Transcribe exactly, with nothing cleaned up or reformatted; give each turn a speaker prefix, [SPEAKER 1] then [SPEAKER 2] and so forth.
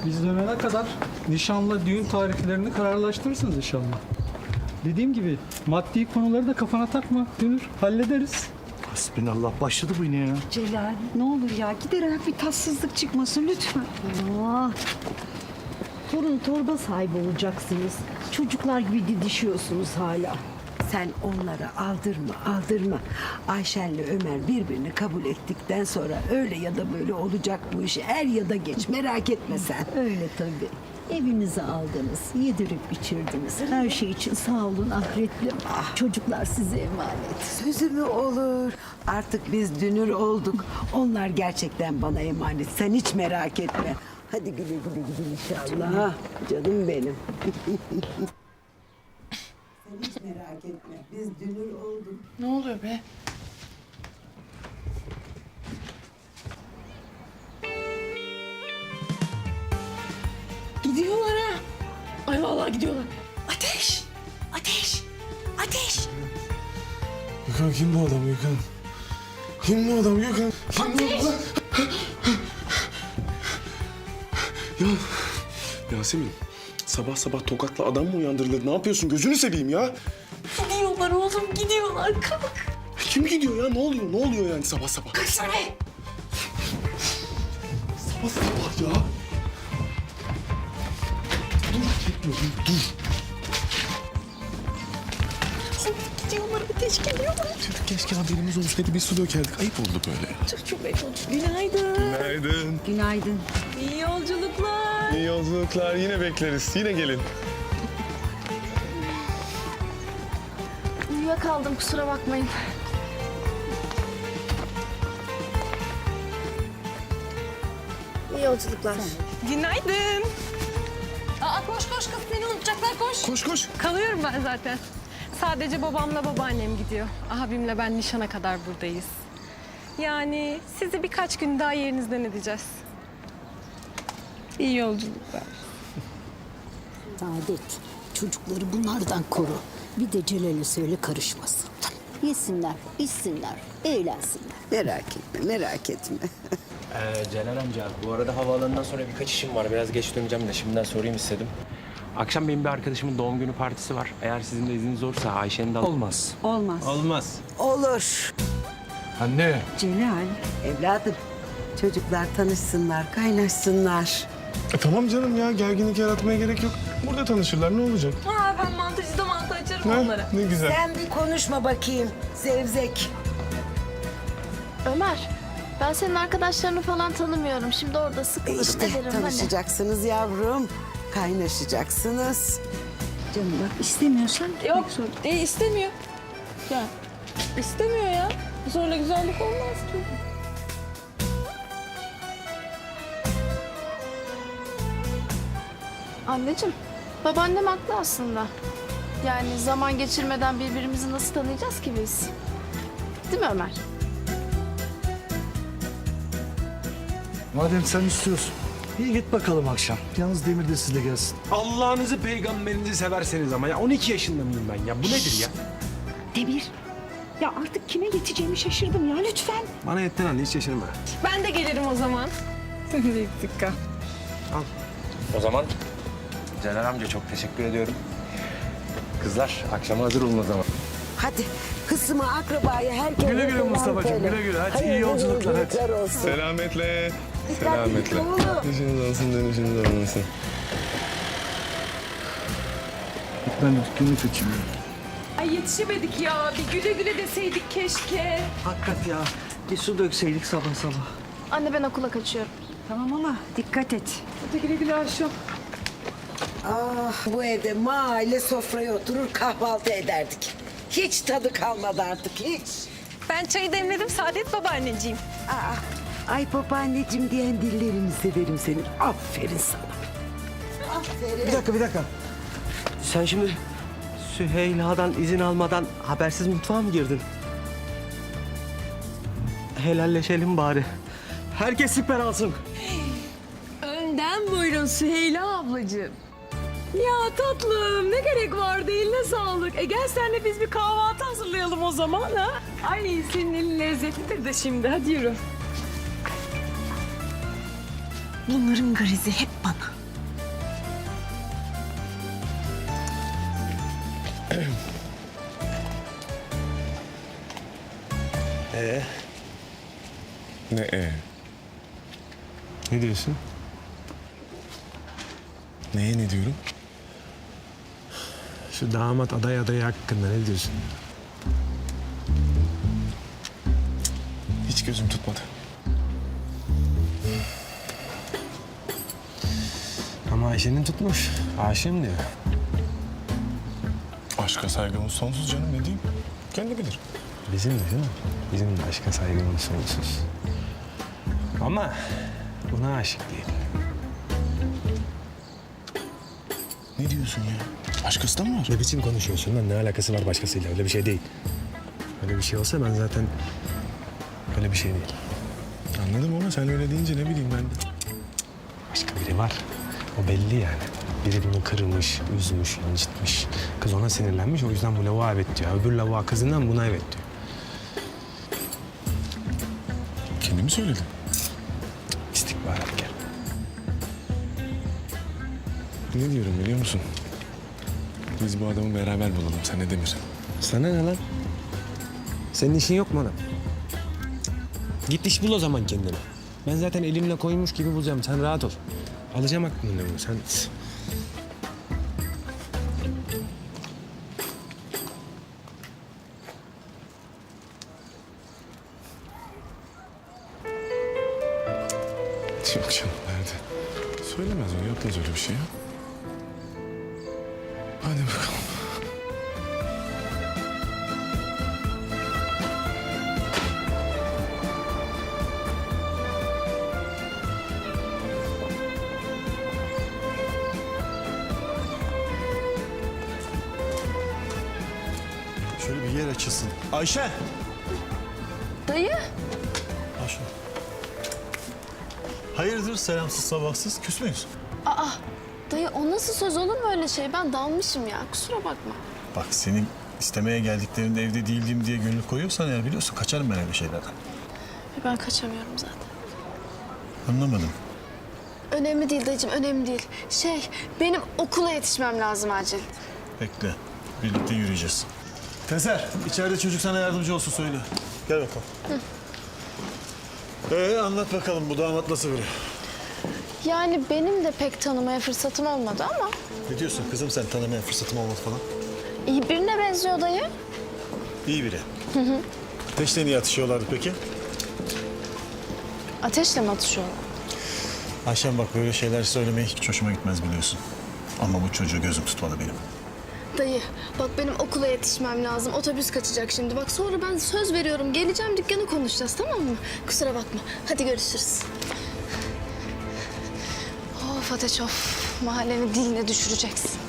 [SPEAKER 1] Biz dönene kadar nişanla düğün tarihlerini kararlaştırırsınız inşallah. Dediğim gibi maddi konuları da kafana takma Dünür. Hallederiz.
[SPEAKER 2] Hasbinallah, başladı bu yine ya.
[SPEAKER 3] Celal ne olur ya giderek bir tatsızlık çıkmasın lütfen.
[SPEAKER 4] Aa, torun torba sahibi olacaksınız. Çocuklar gibi didişiyorsunuz hala.
[SPEAKER 3] Sen onlara aldırma aldırma. Ayşen'le Ömer birbirini kabul ettikten sonra öyle ya da böyle olacak bu iş. Er ya da geç merak etme sen.
[SPEAKER 4] Öyle tabii. Evinize aldınız, yedirip içirdiniz. Her şey için sağ olun ahretlim. Çocuklar size emanet.
[SPEAKER 3] Sözü mü olur? Artık biz dünür olduk. Onlar gerçekten bana emanet. Sen hiç merak etme. Hadi güle güle gidin inşallah. Canım benim. Sen hiç merak etme. Biz dünür olduk.
[SPEAKER 5] Ne oluyor be? Gidiyorlar ha. Ay vallahi gidiyorlar. Ateş! Ateş! Ateş!
[SPEAKER 6] Gökhan kim bu adam Gökhan? Kim bu adam Gökhan? Kim
[SPEAKER 5] Ateş!
[SPEAKER 6] bu adam? Ya Yasemin, sabah sabah tokatla adam mı uyandırılır? Ne yapıyorsun? Gözünü seveyim ya.
[SPEAKER 5] Gidiyorlar oğlum gidiyorlar. Kalk.
[SPEAKER 6] Kim gidiyor ya? Ne oluyor? Ne oluyor yani sabah sabah?
[SPEAKER 5] Kaçsana be!
[SPEAKER 6] Sabah sabah ya. Dur, çekme, dur, dur.
[SPEAKER 5] Gidiyorlar ateş geliyorlar.
[SPEAKER 6] Tüh, keşke haberimiz olsaydı bir su dökerdik. Ayıp oldu böyle ya.
[SPEAKER 5] Çok çok ayıp oldu. Günaydın.
[SPEAKER 6] Günaydın.
[SPEAKER 3] Günaydın.
[SPEAKER 5] İyi yolculuklar.
[SPEAKER 6] İyi yolculuklar. Yine bekleriz. Yine gelin.
[SPEAKER 7] Uyuyakaldım kusura bakmayın. İyi yolculuklar.
[SPEAKER 5] Günaydın. Aa koş koş kız seni unutacaklar koş.
[SPEAKER 6] Koş koş.
[SPEAKER 8] Kalıyorum ben zaten. Sadece babamla babaannem gidiyor. Abimle ben nişana kadar buradayız. Yani sizi birkaç gün daha yerinizden edeceğiz. İyi yolculuklar.
[SPEAKER 4] Saadet, çocukları bunlardan koru. Bir de Celal'e söyle karışmasın. Yesinler, içsinler, eğlensinler.
[SPEAKER 3] Merak etme merak etme.
[SPEAKER 9] Ee, Celal amca, bu arada havaalanından sonra birkaç işim var. Biraz geç döneceğim de şimdiden sorayım istedim. Akşam benim bir arkadaşımın doğum günü partisi var. Eğer sizin de izniniz olursa Ayşe'nin de...
[SPEAKER 1] Olmaz.
[SPEAKER 3] Olmaz.
[SPEAKER 9] Olmaz.
[SPEAKER 3] Olur.
[SPEAKER 6] Anne.
[SPEAKER 3] Celal. Evladım. Çocuklar tanışsınlar, kaynaşsınlar.
[SPEAKER 6] E, tamam canım ya. Gerginlik yaratmaya gerek yok. Burada tanışırlar. Ne olacak?
[SPEAKER 8] Aa, ben mantıcıda mantı açarım
[SPEAKER 6] Ne?
[SPEAKER 8] onlara.
[SPEAKER 6] Ne güzel.
[SPEAKER 3] Sen bir konuşma bakayım. Zevzek.
[SPEAKER 7] Ömer, ben senin arkadaşlarını falan tanımıyorum. Şimdi orada
[SPEAKER 3] E
[SPEAKER 7] sıkılırım
[SPEAKER 3] işte
[SPEAKER 7] ederim. Hani.
[SPEAKER 3] tanışacaksınız yavrum. Kaynaşacaksınız.
[SPEAKER 4] Canım bak istemiyorsan
[SPEAKER 8] Yok, e, istemiyor. Ya, istemiyor ya. Sonra güzellik olmaz ki.
[SPEAKER 7] Anneciğim, babaannem haklı aslında. Yani zaman geçirmeden birbirimizi nasıl tanıyacağız ki biz? Değil mi Ömer?
[SPEAKER 2] Madem sen istiyorsun. İyi git bakalım akşam. Yalnız Demir de sizle gelsin.
[SPEAKER 9] Allah'ınızı peygamberinizi severseniz ama ya on iki yaşında mıyım ben ya? Bu nedir ya?
[SPEAKER 3] Demir. Ya artık kime yeteceğimi şaşırdım ya lütfen.
[SPEAKER 9] Bana yettin anne, hiç şaşırma.
[SPEAKER 8] Ben de gelirim o zaman. Sen de gittik kal.
[SPEAKER 9] O zaman Celal amca çok teşekkür ediyorum. Kızlar, akşama hazır olun o zaman.
[SPEAKER 3] Hadi kızıma, akrabaya, herkese
[SPEAKER 2] Güle güle
[SPEAKER 3] selam
[SPEAKER 2] Mustafa'cığım,
[SPEAKER 3] söyle.
[SPEAKER 2] güle güle. Hadi iyi
[SPEAKER 3] Hayırlı
[SPEAKER 2] yolculuklar, hadi.
[SPEAKER 3] yolculuklar olsun.
[SPEAKER 6] Selametle.
[SPEAKER 3] Dikkatli git oğlum.
[SPEAKER 6] İşiniz olsun, dönüşünüz olmasın.
[SPEAKER 2] Ben dükkanı kaçayım.
[SPEAKER 8] Ay yetişemedik ya. Bir güle güle deseydik keşke.
[SPEAKER 10] Hakikat ya. Bir su dökseydik sabah sabah.
[SPEAKER 7] Anne ben okula kaçıyorum.
[SPEAKER 3] Tamam ama dikkat et.
[SPEAKER 8] Hadi güle güle Ayşem.
[SPEAKER 3] Ah bu evde mahalle sofraya oturur kahvaltı ederdik. Hiç tadı kalmadı artık hiç.
[SPEAKER 8] Ben çayı demledim Saadet babaanneciğim.
[SPEAKER 3] Aa, ay babaanneciğim diyen dillerini severim senin. Aferin sana. Aferin.
[SPEAKER 10] Bir dakika bir dakika. Sen şimdi Süheyla'dan izin almadan habersiz mutfağa mı girdin? Helalleşelim bari. Herkes siper alsın.
[SPEAKER 8] Önden buyurun Süheyla ablacığım. Ya tatlım ne gerek vardı eline sağlık. E gel senle biz bir kahvaltı hazırlayalım o zaman ha. Ay senin elin lezzetlidir de şimdi hadi yürü. Bunların garizi hep bana.
[SPEAKER 6] Ee? Ne ee? Ne diyorsun? Neye ne diyorum? Şu damat aday adayı hakkında ne diyorsun? Hiç gözüm tutmadı. Ama Ayşe'nin tutmuş. Aşığım diyor.
[SPEAKER 11] Aşka saygımız sonsuz canım, ne diyeyim? Kendi bilir.
[SPEAKER 6] Bizim de değil mi? Bizim de aşka saygımız sonsuz. Ama buna aşık değil.
[SPEAKER 11] Ne diyorsun ya? Başkası da mı var?
[SPEAKER 6] Ne biçim konuşuyorsun lan? Ne alakası var başkasıyla? Öyle bir şey değil. Öyle bir şey olsa ben zaten... Öyle bir şey değil.
[SPEAKER 11] Anladım ama sen öyle deyince ne bileyim ben de.
[SPEAKER 6] Başka biri var. O belli yani. Biri bunu kırmış, üzmüş, incitmiş. Kız ona sinirlenmiş. O yüzden bu lavuğa evet diyor. Öbür lavuğa kızından buna evet diyor.
[SPEAKER 11] Kendi mi söyledin?
[SPEAKER 6] İstihbarat gel.
[SPEAKER 11] Ne diyorum biliyor musun? Biz bu adamı beraber bulalım, sen ne Demir?
[SPEAKER 6] Sana ne lan? Senin işin yok mu adam? Git iş bul o zaman kendine. Ben zaten elimle koymuş gibi bulacağım. Sen rahat ol. Alacağım aklını bunu. Sen...
[SPEAKER 11] Yok canım, nerede? Söylemez o, yapmaz öyle bir şey ya. Hadi bakalım.
[SPEAKER 2] Şöyle bir yer açılsın. Ayşe!
[SPEAKER 7] Dayı.
[SPEAKER 2] Ayşe. Hayırdır selamsız sabahsız, küs müyüz?
[SPEAKER 7] Aa, dayı o nasıl söz olur mu öyle şey? Ben dalmışım ya, kusura bakma.
[SPEAKER 2] Bak senin istemeye geldiklerinde evde değildim diye gönül koyuyorsan eğer biliyorsun kaçarım ben öyle şeylerden.
[SPEAKER 7] Ben kaçamıyorum zaten.
[SPEAKER 2] Anlamadım.
[SPEAKER 7] Önemli değil dayıcığım, önemli değil. Şey, benim okula yetişmem lazım acil.
[SPEAKER 2] Bekle. Birlikte yürüyeceğiz. Tezer, içeride çocuk sana yardımcı olsun söyle. Gel bakalım. Ee, anlat bakalım bu damat nasıl biri?
[SPEAKER 7] Yani benim de pek tanımaya fırsatım olmadı ama
[SPEAKER 2] Ne diyorsun kızım sen tanımaya fırsatım olmadı falan?
[SPEAKER 7] iyi birine benziyor dayı.
[SPEAKER 2] İyi biri. Hı hı. Ateşle niye atışıyorlardı peki?
[SPEAKER 7] Ateşle mi atışıyorlar?
[SPEAKER 2] Ayşem bak böyle şeyler söylemeye hiç hoşuma gitmez biliyorsun. Ama bu çocuğu gözüm tutmalı benim.
[SPEAKER 7] Dayı, bak benim okula yetişmem lazım. Otobüs kaçacak şimdi. Bak sonra ben söz veriyorum. Geleceğim dükkanı konuşacağız, tamam mı? Kusura bakma. Hadi görüşürüz. Of Ateş of. Mahallenin diline düşüreceksin.